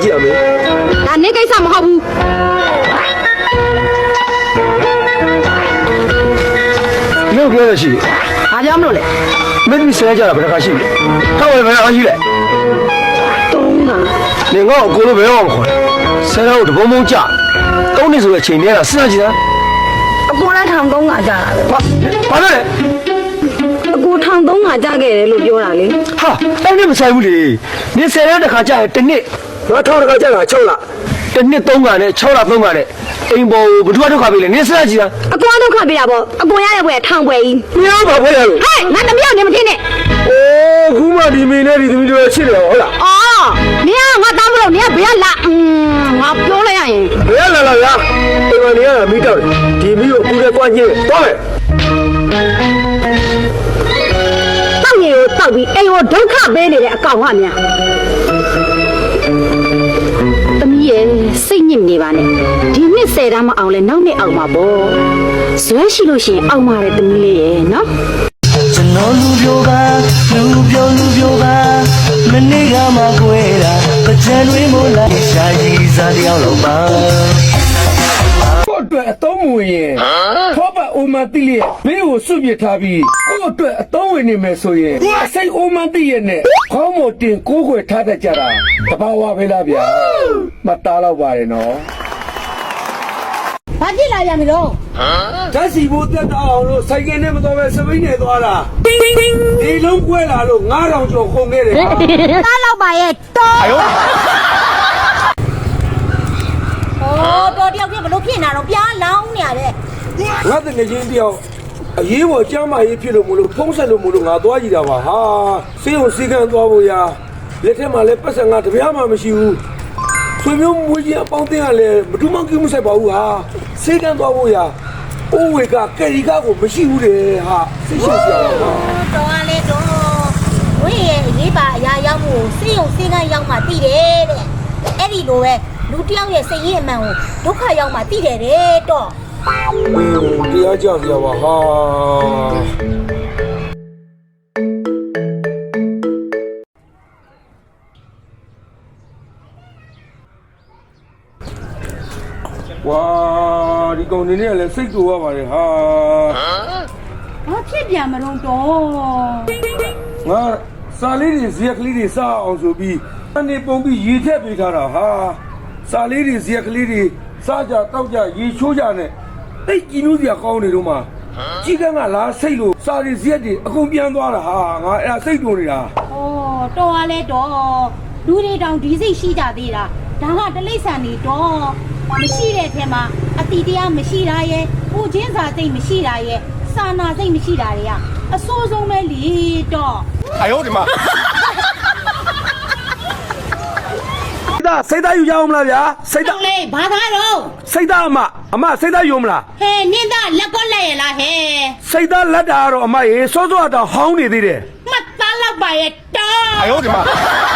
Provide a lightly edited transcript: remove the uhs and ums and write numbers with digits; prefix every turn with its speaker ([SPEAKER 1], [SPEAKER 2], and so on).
[SPEAKER 1] ကြည့်ရမယ်
[SPEAKER 2] ဒါနေကိစ္စမဟုတ်ဘူး
[SPEAKER 1] မင်းပြောရရှိ
[SPEAKER 2] ဘာကြောင့်မလို့လဲ
[SPEAKER 1] မင်းဒီဆဲကြတာဘယ်တစ်ခါရှိလဲထောက်ဝယ်ဘယ်တစ်ခါရှိလဲ
[SPEAKER 2] 3ခါ
[SPEAKER 1] နေငါ့ကိုလိုဘယ်တော့မခေါ်လဲဆဲတော့တဘုံဘုံကြ3နှစ်ဆိုတဲ့ချိန်တည်းကစဉ်းစားကြည့်တာ
[SPEAKER 2] အကိုလည်းထောင်3ခါကြာတာပဲ
[SPEAKER 1] ဘာလို့လဲ
[SPEAKER 2] အကိုထောင်3ခါကြာခဲ့တယ်လို့ပြောတာလေ
[SPEAKER 1] ဟာအဲ့ဒီမဆိုင်ဘူးလေနေဆဲတဲ့တစ်ခါကြာရင်တစ်နှစ်ငါထောက်တစ်ခါကြာတာ6လတစ်နှစ်3ခါနဲ့6လ3ခါနဲ့အိမ်ပေါ်ဘုဒ္ဓဒုက္ခပေးလေနေစဉ်းစားကြည့်တာ
[SPEAKER 2] အကိုဒုက္ခပေးတာပေါ့အကိုရတဲ့ဘွယ်ထောင်ပွဲကြီး
[SPEAKER 1] မင်းဘာဖွဲ့ရလို့
[SPEAKER 2] ဟဲ့ငါတမြောက်နေမထင်းနဲ့
[SPEAKER 1] အိုးခုမှဒီမင်းနဲ့ဒီသမီးတို့ချစ်တယ်ဟုတ်လား
[SPEAKER 2] အော်မင်းကငါတောင်းမလို့မင်းကဘယ်လာငါပြောလိုက်ရရင်
[SPEAKER 1] ဘယ်လာဗျာဒီမနေရတာမိတော့ဒီမိကိုကူတဲ့ကွာညင်းသွားမယ်
[SPEAKER 2] တောက်ရည်ကိုတောက်ပြီးအိမ်ကိုဒုက္ခပေးနေတဲ့အကောင်ကများသမီးရဲ့စိတ်ညစ်နေပါနဲ့ဒီနှစ်10တန်းမအောင်လဲနောက်နှစ်အောင်မှာပေါ့ဇွဲရှိလို့ရှိရင်အောင်ပါတယ်သမီးလေးရဲ့နော်
[SPEAKER 3] ကျွန်တော်လူပြိုပါမနေ့ကမှကွဲတာပကြံတွေမို့လားရှာကြီးစားတယောက်လုံးပါ
[SPEAKER 1] ကိုအတွက်အသုံးဝင်ရင်ထောပတ်အိုမန်တိလေးဘေးကိုစွန့်ပစ်ထားပြီးကိုအတွက်အသုံးဝင်နေမယ်ဆိုရင်အစိတ်အိုမန်တိရဲ့နဲ့ခေါင်းမတင်ကိုးခွေထားတတ်ကြတာတဘာဝပဲလားဗျာမတားတော့ပါတယ်နော်
[SPEAKER 2] ဘာဖြစ်လာပြန်ပြီတော့
[SPEAKER 1] ဓာတ်စီဖို့တက်တော့အောင်လို့စိုက်ကယ်နဲ့မတော်ပဲစပိန်နဲ့သွားတာဒီလုံးကွဲလာလို့9000ကျော်ခုန်ခဲ့တယ်
[SPEAKER 2] ကားလောက်ပါရဲ့တော်တော်တယောက်ကြီးဘလို့ဖြစ်နေတာတော့ပြားလောင်းနေရတဲ့
[SPEAKER 1] ငါတကယ်ချင်းတယောက်အရေးပေါ်ကျမ်းမာရေးဖြစ်လို့မလို့ဖုံးဆက်လို့မလို့ငါသွားကြည့်တာပါဟာစေးုံစီကန်းသွားဖို့ရာလက်ထက်မှာလည်းပတ်စံငါတပြားမှမရှိဘူးဆွေမျိုးမွေးကြီးအပေါင်းအသင်းကလည်းမတူးမကိမှုဆိုင်ပါဘူးဟာစေးကန်းသွားဖို့ရာအိုးဝေကကယ်ရီကားကိုမရှိဘူးလေဟာစိတ်ရှုပ်ကြပါ
[SPEAKER 2] တော်ရလေတော့ဝေးရဲ့ရေးပါအရာရောက်မှုစေးုံစေးကန်းရောက်မှတည်တယ်တဲ့အဲ့ဒီလိုပဲလူတယောက်ရဲ့စိတ်ရည်အမှန်ကိုဒုက္ခရောက်မှတည်တယ်တဲ့တော့
[SPEAKER 1] တရားကြောက်ကြပါဟာဝါဒီကောင်နေနဲ့လည်းစိတ်တူရပါတယ်ဟာ
[SPEAKER 2] ဘာဖြစ်ပြန်မလို့တော့
[SPEAKER 1] ငါစာလေးတွေဇက်ကလေးတွေစအောင်ဆိုပြီးအနေပုံပြီးရေထက်ပေးထားတာဟာစာလေးတွေဇက်ကလေးတွေစားကြတောက်ကြရေချိုးကြနဲ့တိတ်ကြည်နူးစရာကောင်းနေတော့မှကြီးကန်းကလားစိတ်လို့စာရီဇက်တွေအကုန်ပြန်သွားတာဟာငါအဲ့ဒါစိတ်တူနေတာ
[SPEAKER 2] ဩတော်ရလဲတော့လူတွေတောင်ဒီစိတ်ရှိကြသေးတာဒါကတလိษံနေတော့မရှိတဲ့အထက်မှာအတီတရားမရှိတာရဲ့ပူချင်းစာစိတ်မရှိတာရဲ့စာနာစိတ်မရှိတာတွေကအဆိုးဆုံးပဲလေတော့
[SPEAKER 1] 哎呦我的妈စိတ်သားယူကြအောင်မလားဗျာ
[SPEAKER 2] စိတ်သားလေဘာသာတော့
[SPEAKER 1] စိတ်သားအမစိတ်သားယူမလား
[SPEAKER 2] ဟဲ့နင်းသားလက်ကောလက်ရလားဟဲ့
[SPEAKER 1] စိတ်သားလက်တာကတော့အမရေစောစောတော့ဟောင်းနေသေးတယ်
[SPEAKER 2] မှတ်သားလောက်ပါရဲ့တော့
[SPEAKER 1] 哎呦我的妈